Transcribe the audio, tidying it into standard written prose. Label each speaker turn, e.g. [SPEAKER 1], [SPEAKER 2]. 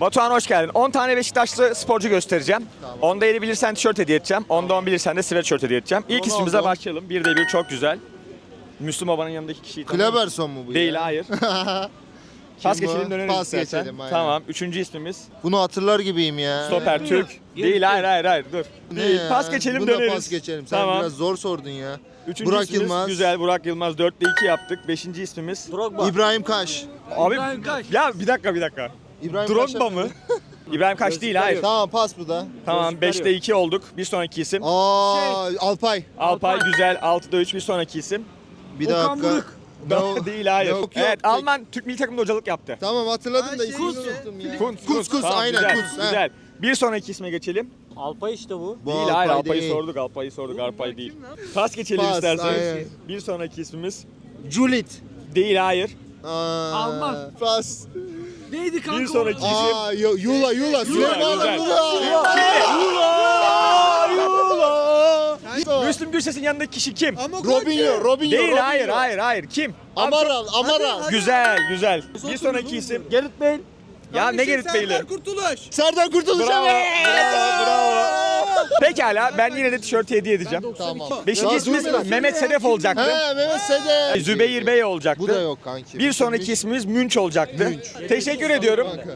[SPEAKER 1] Batuhan hoş geldin. 10 tane Beşiktaşlı sporcu göstereceğim.
[SPEAKER 2] Tamam.
[SPEAKER 1] Onda 7 bilirsen tişört hediye edeceğim. Onda 10 bilirsen de sweatshirt hediye edeceğim. İlk
[SPEAKER 2] Ronaldo.
[SPEAKER 1] ismimize başlayalım. 1'de 1 çok güzel. Müslüm Baba'nın yanındaki kişiyi tanıyor.
[SPEAKER 2] Kleberson mu bu
[SPEAKER 1] Değil,
[SPEAKER 2] ya?
[SPEAKER 1] hayır. Pas
[SPEAKER 2] bu?
[SPEAKER 1] geçelim, döneriz
[SPEAKER 2] Pas
[SPEAKER 1] istersen.
[SPEAKER 2] geçelim, aynen.
[SPEAKER 1] Tamam. Üçüncü ismimiz
[SPEAKER 2] Bunu hatırlar gibiyim ya.
[SPEAKER 1] stoper Türk. Değil, hayır dur.
[SPEAKER 2] Ne
[SPEAKER 1] Değil.
[SPEAKER 2] ya?
[SPEAKER 1] Pas geçelim,
[SPEAKER 2] Buna
[SPEAKER 1] döneriz.
[SPEAKER 2] pas geçelim. Sen
[SPEAKER 1] Tamam.
[SPEAKER 2] biraz zor sordun ya.
[SPEAKER 1] Üçüncü
[SPEAKER 2] Burak
[SPEAKER 1] ismimiz
[SPEAKER 2] Yılmaz.
[SPEAKER 1] güzel. Burak Yılmaz. 4'te 2 yaptık. Beşinci ismimiz.
[SPEAKER 2] İbrahim Kaş.
[SPEAKER 1] Abi
[SPEAKER 3] İbrahim Kaş.
[SPEAKER 1] ya bir dakika.
[SPEAKER 2] İbrahim
[SPEAKER 1] Drogba
[SPEAKER 2] Kaş'a-
[SPEAKER 1] mı? İbrahim Kaş değil, hayır.
[SPEAKER 2] Tamam pas bu da.
[SPEAKER 1] Tamam 5'te 2 olduk. Bir sonraki isim.
[SPEAKER 2] Alpay.
[SPEAKER 1] Alpay güzel. 6'da 3 bir sonraki isim.
[SPEAKER 2] Bir
[SPEAKER 3] Okan
[SPEAKER 2] dakika.
[SPEAKER 3] Buruk.
[SPEAKER 2] No.
[SPEAKER 1] Değil, hayır.
[SPEAKER 2] Yok,
[SPEAKER 1] Evet,
[SPEAKER 2] tek-
[SPEAKER 1] Alman Türk milli takımında hocalık yaptı.
[SPEAKER 2] Tamam hatırladım da
[SPEAKER 3] şey
[SPEAKER 2] ismini
[SPEAKER 3] işte.
[SPEAKER 2] unuttum ya.
[SPEAKER 1] Kus,
[SPEAKER 2] Tamam,
[SPEAKER 1] aynen
[SPEAKER 2] güzel,
[SPEAKER 1] Kus.
[SPEAKER 2] he.
[SPEAKER 1] Güzel. Bir sonraki isme geçelim.
[SPEAKER 4] Alpay işte bu.
[SPEAKER 2] Bu
[SPEAKER 1] Değil, hayır, Alpay'ı
[SPEAKER 2] değil.
[SPEAKER 1] sorduk. Alpay değil. Pas geçelim
[SPEAKER 2] Pas,
[SPEAKER 1] istersen.
[SPEAKER 2] aynen.
[SPEAKER 1] Bir sonraki ismimiz.
[SPEAKER 2] Julit.
[SPEAKER 1] Değil, hayır.
[SPEAKER 3] Alman.
[SPEAKER 2] Pas.
[SPEAKER 3] Neydi kanka?
[SPEAKER 1] Bir sonraki isim.
[SPEAKER 2] Yula. Süleyman
[SPEAKER 1] güzel.
[SPEAKER 2] Yula.
[SPEAKER 1] Müslüm Gürses'in yanındaki kişi kim?
[SPEAKER 2] Robinho.
[SPEAKER 1] Değil, hayır. Kim?
[SPEAKER 2] Amaral.
[SPEAKER 1] Güzel. Bir sonraki isim.
[SPEAKER 4] Gerrit Bale.
[SPEAKER 1] Ya ne Gerrit Bey'li?
[SPEAKER 3] Kurtuluş.
[SPEAKER 2] Serdar Kurtuluş.
[SPEAKER 1] Bravo. Pekala, ben yine de tişört hediye edeceğim.
[SPEAKER 2] Tamam.
[SPEAKER 1] Beşinci ismimiz Mehmet Sedef olacaktı.
[SPEAKER 2] He Mehmet Sede.
[SPEAKER 1] Zübeyir Bey olacaktı.
[SPEAKER 2] Bu da yok kanki.
[SPEAKER 1] Bir sonraki ismimiz Münç olacaktı. Teşekkür ediyorum.